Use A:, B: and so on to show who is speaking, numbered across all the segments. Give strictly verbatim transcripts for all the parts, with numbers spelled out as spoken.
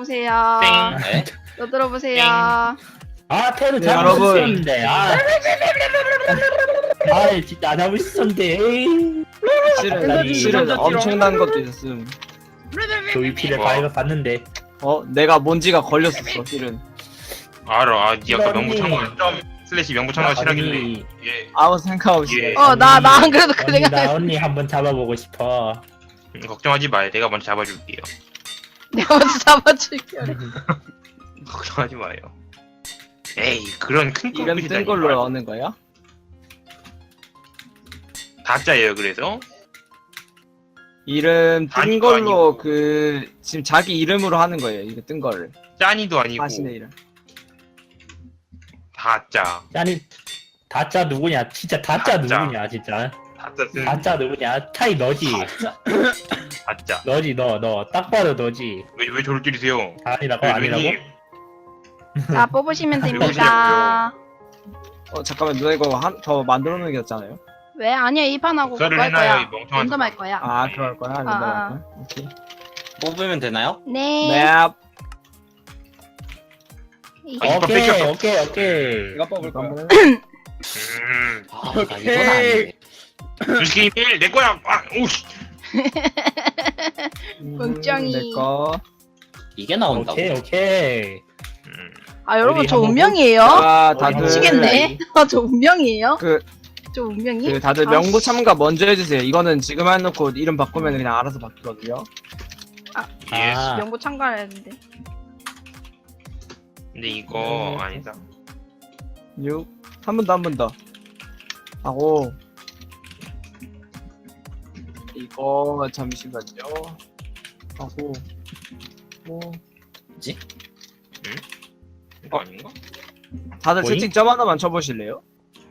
A: 보세요.
B: 네?
A: 또 들어보세요.
C: 아 테러
D: 네,
C: 잘못
D: 여러분.
C: 썼는데 아. 아 진짜 안 하고 있었는데 에이.
D: 실은
C: 갑자기
D: 실은 엄청난 것도 있었음.
C: 조이피를
B: 뭐?
C: 바이가 봤는데
D: 어 내가 뭔지가 걸렸었어 실은.
B: 알아. 아, 니 아까
C: 언니.
B: 명부 참고 점 슬래시 명부 참고 실하길래.
C: 언니,
B: 예.
D: 아무 생각 없이.
B: 예.
A: 어, 나, 나 안 그래도 그
C: 언니 나
A: 생각했어.
C: 언니 한번 잡아보고 싶어.
B: 음, 걱정하지 마요. 내가 먼저 잡아줄게요.
A: 내가 먼저 잡아줄게.
B: 걱정하지 마요. 에이, 그런 큰
D: 이름 뜬 걸로 나오는 거야?
B: 다짜예요. 그래서
D: 이름 뜬
B: 아니고,
D: 걸로
B: 아니고.
D: 그 지금 자기 이름으로 하는 거예요. 이거 뜬 거를.
B: 짠이도 아니고
D: 자신의 이름.
B: 다짜.
C: 아니 다짜 누구냐? 진짜 다짜
B: 다짜.
C: 누구냐? 진짜
B: 다짜 쓴
C: 다짜 누구냐? 타이 너지.
B: 다짜.
C: 너지 너 너 딱 봐도 너지.
B: 왜왜 저를 찌르세요?
C: 아니라고
B: 왜,
C: 아니라고?
B: 왜님?
A: 자, 뽑으시면 됩니다.
D: 어 잠깐만 누나 이거 한, 저 만들어 놓은 게 없잖아요.
A: 왜? 아니야, 이 판하고 그거
B: 썰을
A: 할
B: 해놔요,
A: 거야.
B: 이 멍청한
A: 랜덤 할 거야.
D: 아 그럴 거야. 랜덤
A: 아,
D: 할 거야. 오케이.
E: 뽑으면 되나요?
A: 네.
D: 네.
A: 이-
B: 아, 이거
C: 오케이
B: 뺏겼어.
C: 오케이 오케이.
D: 이거 뽑을 거야.
B: 음.
E: 아, 나 이건 아니네.
B: 주식이 일 내 거야. 아, 오씨.
A: 멍청이.
D: 내 거.
E: 이게 나온다고?
C: 오케이 오케이.
B: 음.
A: 아, 여러분,
C: 우리
A: 저
C: 한번
A: 운명이에요?
D: 자
C: 다들-
D: 다들
A: 미치겠네. 아, 저 운명이에요?
D: 그,
A: 저 운명이?
D: 그 다들
A: 아,
D: 명부
A: 씨.
D: 참가 먼저 해주세요. 이거는 지금 해놓고 이름 바꾸면 그냥 알아서 바뀌거든요.
B: 예.
C: 아.
A: 명부 참가를 했는데.
B: 근데 이거
D: 네.
B: 아니다.
D: 육. 한 번 더, 한 번 더. 하고. 이거, 잠시만요. 하고. 뭐.
B: 이거 아닌가?
D: 다들
C: 뭐임?
D: 채팅 점 하나만 쳐보실래요?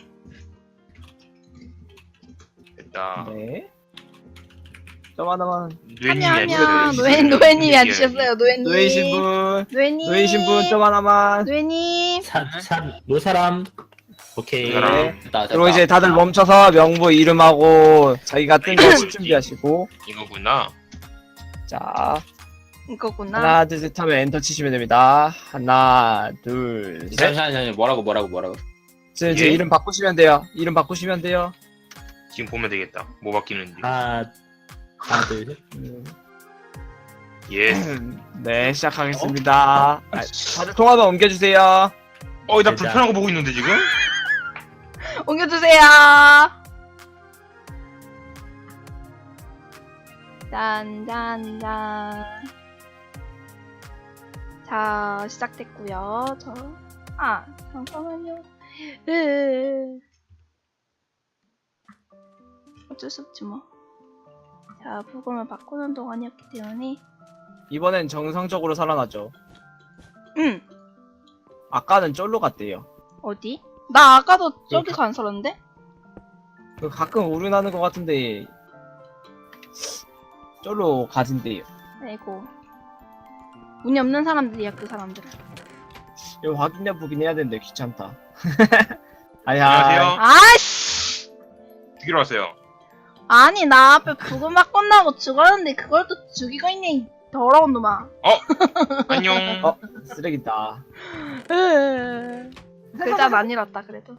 B: 됐다.
D: 네. 점 하나만.
B: 노예님이
A: 하면, 하면,
B: 앉으셨어요.
A: 노예, 노예님이
B: 노예님이
A: 앉으셨어요, 노예님.
D: 노예신 분.
A: 노예님.
D: 노예신 분 점 하나만.
A: 노예님.
C: 산산 노사람. 오케이.
B: 그 사람.
D: 네.
E: 됐다, 됐다.
D: 그리고 이제 다들 멈춰서 명부 이름하고 자기가 뜬 거 준비하시고.
B: 이거구나.
D: 자.
A: 이거구나.
D: 하나, 둘, 셋 하면 엔터 치시면 됩니다. 하나, 둘, 셋.
E: 잠시만요, 잠시만요. 뭐라고, 뭐라고, 뭐라고.
D: 제, 제
B: 예?
D: 이름 바꾸시면 돼요. 이름 바꾸시면 돼요.
B: 지금 보면 되겠다. 뭐 바뀌는지.
C: 하나 하나 둘 셋.
D: 음,
B: 예.
D: 네, 시작하겠습니다. 아, 다들 통화만 옮겨주세요.
B: 어, 나
C: 진짜.
B: 불편한 거 보고 있는데 지금?
A: 옮겨주세요. 짠짠짠. 자, 시작됐고요. 저, 아, 잠깐만요. 으. 어쩔 수 없지 뭐. 자, 부금을 바꾸는 동안이었기 때문에.
D: 이번엔 정상적으로 살아나죠.
A: 응.
D: 아까는 쫄로 갔대요.
A: 어디? 나 아까도 저기서 안 살았는데?
D: 그 가끔 오류나는 것 같은데 쫄로 가진대요.
A: 아이고. 운이 없는 사람들이야, 그 사람들.
D: 이거 확인 여부긴 해야 되는데 귀찮다. 아야.
B: 안녕하세요.
A: 아씨!
B: 죽이러 왔어요.
A: 아니, 나 앞에 부금 바꾼다고 죽었는데 그걸 또 죽이고 있네, 이 더러운 놈아.
B: 안녕.
D: 어, 쓰레기다.
A: 글자는 안 잃었다, 그래도.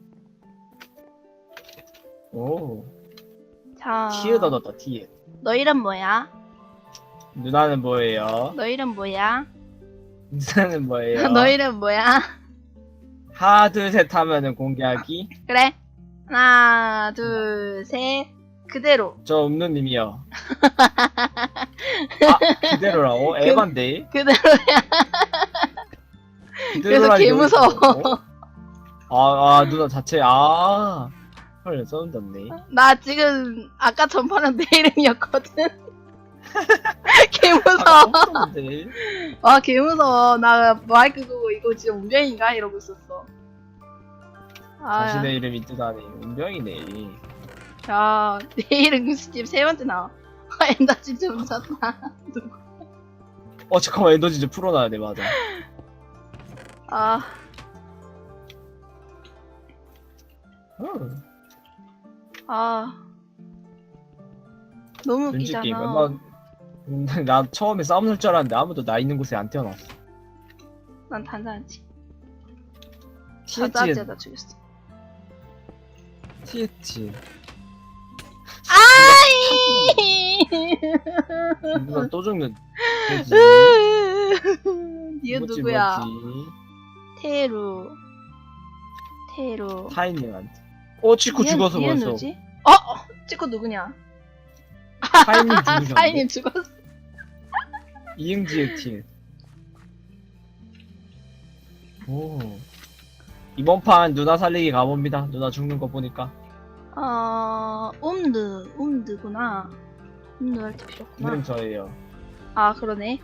D: 오.
A: 자,
D: 티에 넣었다, 티에.
A: 너 이름 뭐야?
D: 누나는 뭐예요?
A: 너 이름 뭐야?
D: 누나는 뭐예요?
A: 너 이름 뭐야?
D: 하나, 둘, 셋 하면은 공개하기.
A: 그래. 하나, 둘, 셋. 그대로.
D: 저 없는 님이요. 아, 그대로라고? 에반데?
A: 그대로야. 그래서 개 무서워.
D: 아, 아, 누나 자체, 아. 헐, 소름 돋네.
A: 나 지금 아까 전파는 내 이름이었거든. 개 무서워.
D: 아,
A: 와, 개 무서워. 나 마이크 끄고 이거 진짜 운명인가? 이러고 있었어. 아,
D: 자신의 이름이 뜨다니. 운명이네.
A: 야, 내 이름 지금 세 번째 나와. 아, 엔다 진짜 무섭다.
D: 어, 잠깐만, 엔더 진짜 풀어놔야 돼, 맞아.
A: 아,
D: 음,
A: 아. 너무
D: 눈치 게임.
A: 웃기잖아.
D: 얼마, 음, 나 처음에 싸움 날 줄 알았는데 아무도 나 있는 곳에 안 태어났어.
A: 난 단단하지.
D: 티엣지,
A: 단단하지에다 죽였어.
D: 티엣지.
A: 아이!
D: 누나 또 죽는. 돼지.
A: 니은
D: 뭐지,
A: 누구야?
D: 뭐지?
A: 테루. 테루.
D: 타인님한테. 어, 치코
A: 니은-
D: 죽어서
A: 니은
D: 벌써.
A: 누구지? 어? 어? 찍고 누구냐?
D: 타인님 죽으셨네.
A: 사인님 죽었어.
D: 이응지의 팀. 오. 이번 판 누나 살리기 가봅니다. 누나 죽는 거 보니까.
A: 어, 옴드, 옴드구나. 옴드 할 때 필요했구나.
D: 이름 저예요.
A: 아, 그러네.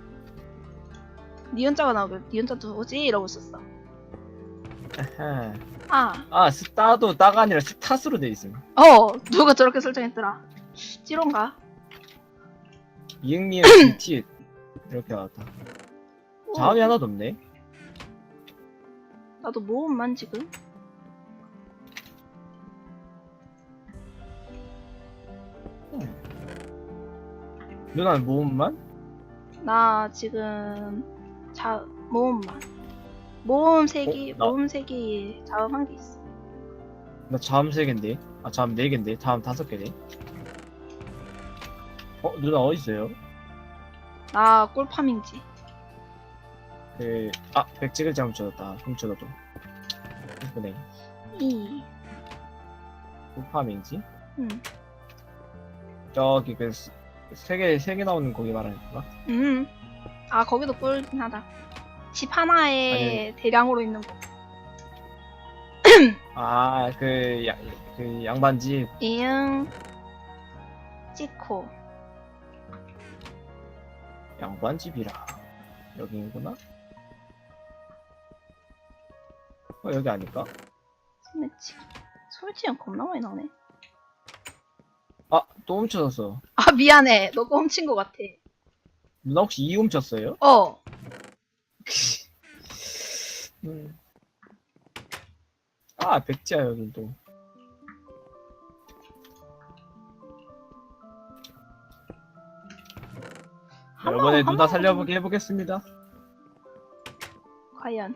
A: 니은자가 나오면 니은자 누구지? 이러고 있었어.
D: 아하.
A: 아,
D: 아, 스타도 따가 아니라 스타스로 돼 있음.
A: 어, 누가 저렇게 설정했더라. 찌론가?
D: 이응니의 티 이렇게 나왔다.
A: 오,
D: 자음이 하나도 없네.
A: 나도 모음만 지금.
D: 누나는 모음만?
A: 나 지금 자 모음만. 모음 세 개,
D: 어, 나-
A: 모음 세 개에 자음 한 개 있어.
D: 나 자음 세 개인데. 아, 자음 네 개인데. 자음 다섯 개네. 어, 누나 어디 있어요?
A: 나 꿀파밍지.
D: 그, 아, 백지글 잘못 쳐졌다. 훔쳐도. 이쁘네.
A: 이,
D: 우파민지?
A: 음,
D: 저기 그, 세 개, 세 개 나오는 거기 말하는 건가?
A: 음. 아 거기도 꿀긴 하다. 집 하나에 대량으로 있는 거.
D: 아, 그, 야, 그 양반집.
A: 이응, 찍고.
D: 양반집이라. 여기구나? 어, 여기 아닐까?
A: 소매치. 소매치는 겁나 많이 나오네.
D: 아, 또 훔쳐졌어.
A: 아 미안해. 너가 훔친 것 같아.
D: 누나 혹시 이 훔쳤어요?
A: 어.
D: 음. 아, 백지야, 여긴 또.
A: 한
D: 이번에
A: 번,
D: 누나
A: 한
D: 살려보게 해보겠습니다.
A: 과연.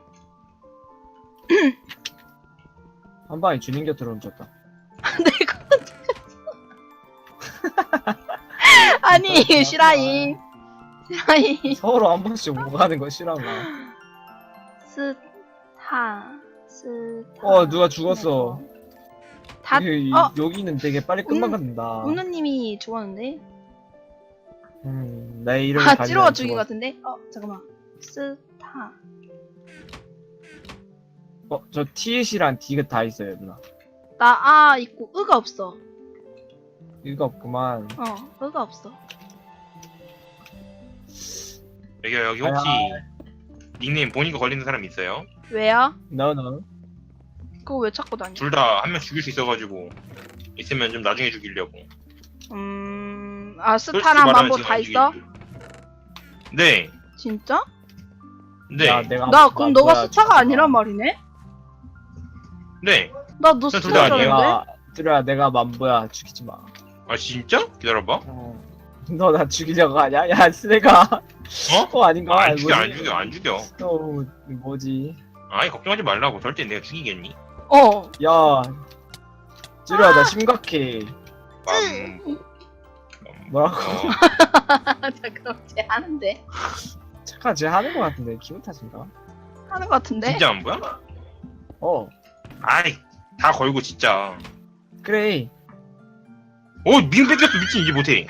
D: 한 방에 주님 곁으로 훔쳤다.
A: 내가 아니 시라이. 시라이.
D: 서로 한 번씩 오고 가는 거 싫어하나?
A: 스타. 스타.
D: 어, 누가 죽었어.
A: 다.
D: 이-
A: 어.
D: 여기는 되게 빨리 끝나간다.
A: 운누님이 죽었는데.
D: 음, 내 이름이
A: 아
D: 가지고
A: 찌로가 죽인 것
D: 죽었어.
A: 같은데. 어 잠깐만. 스타.
D: 어, 저 티엣이랑 D가 다 있어요, 누나.
A: 나 아 있고 으가 없어.
D: 이거 없구만.
A: 어 으가 없어.
B: 여기 여기 혹시 닉네임 본인거 걸리는 사람 있어요?
A: 왜요?
D: No, no.
A: 그거 왜 찾고 다니?
B: 둘 다 한 명 죽일 수 있어가지고 있으면 좀 나중에 죽이려고.
A: 음. 아
B: 솔직히
A: 스타랑
B: 말하면
A: 만보
B: 지금
A: 다
B: 안
A: 있어?
B: 죽이려고. 네,
A: 진짜?
B: 네,
D: 야, 내가
A: 나 그럼 너가
D: 뭐야,
A: 스타가
D: 죽었다.
A: 아니란 말이네?
B: 네.
A: 나 너
B: 저둘다
A: 스타인 줄
B: 아니에요?
A: 알았는데?
D: 내가 뚜루야, 내가 만보야. 죽이지 마.
B: 아 진짜? 기다려봐.
D: 어. 너 나 죽이려고 하냐? 야, 쓰레가.
B: 어?
D: 어, 아닌가?
B: 안 죽여, 안
D: 뭐지?
B: 죽여, 안 죽여.
D: 어, 뭐지?
B: 아니 걱정하지 말라고. 절대 내가 죽이겠니?
A: 어.
D: 야, 뚜루야, 나 심각해.
B: 맘.
D: 뭐라고?
B: 어,
A: 잠깐만 쟤 하는데?
D: 착한 쟤 하는 거 같은데 기분 탓인가?
A: 하는 거 같은데?
B: 진짜 안 보여?
D: 어,
B: 아이 다 걸고 진짜.
D: 그래.
B: 어 미음 뺏겼어 미친 이제 못해.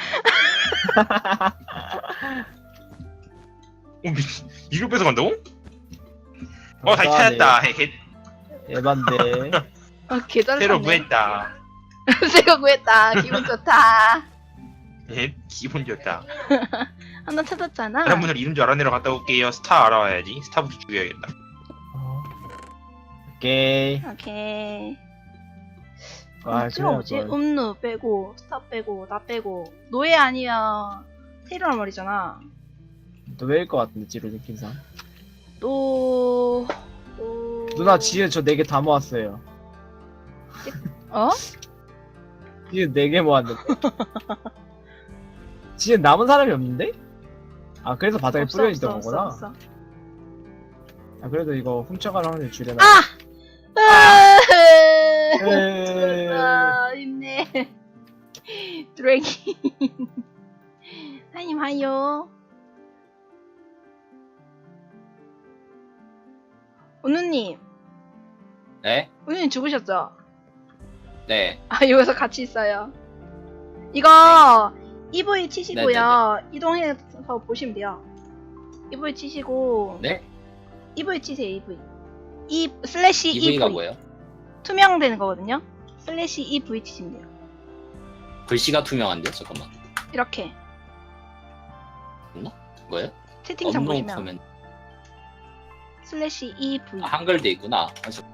B: 어 미친 이걸 뺏어간다고? 어 다시 찾았다. 헤헤.
D: 에반데.
A: 어 계절
B: 새로
A: 사네.
B: 구했다.
A: 새로 구했다. 기분 좋다.
B: 헤 기분 좋다.
A: 하나 찾았잖아.
B: 여러분들 이름 줄 알아내러 갔다 올게요. 스타 알아와야지. 스타부터 죽여야겠다.
D: 어. 오케이.
A: 오케이.
D: 아,
A: 찍어 뭐지?
D: 그래, 뭐.
A: 음누 빼고 스타 빼고 나 빼고 노예 아니면 테일러란 말이잖아.
D: 노예일 것 같은데 지로 느낌상.
A: 또... 또...
D: 누나 지혜 저 네 개 다 모았어요.
A: 어?
D: 지혜 네 개 모았는데. 지금 남은 사람이 없는데? 아 그래서 바닥에
A: 없어,
D: 뿌려 있던
A: 없어,
D: 거구나.
A: 없어, 없어.
D: 아 그래도 이거 훔쳐가는 확률 줄여놔.
A: 아!
D: 에이.
A: 아, 힘내. 드래기. 하님 하요. 은우님,
E: 네?
A: 은우님 죽으셨죠?
E: 네.
A: 아 여기서 같이 있어요. 이거 이브이 치시고요. 이동해서 보시면 돼요. 이브이 치시고
E: 네?
A: 이브이 치세요. 이브이. 이 슬래시
E: 이브이가
A: 이브이.
E: 뭐예요?
A: 투명되는 거거든요. 슬래시 이브이 치시면 돼요.
E: 글씨가 투명한데요? 잠깐만.
A: 이렇게
E: 뭐예요?
A: 채팅창
E: 업로드
A: 보시면
E: 코멘.
A: 슬래시 이브이.
E: 아, 한글 돼 있구나. 아, 저...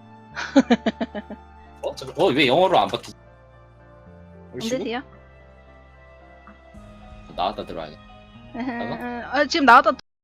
E: 어? 저... 어? 왜 영어로 안 바뀌지?
A: 안 되세요?
E: 나왔다 들어와야겠다.
A: 아, 지금 나왔다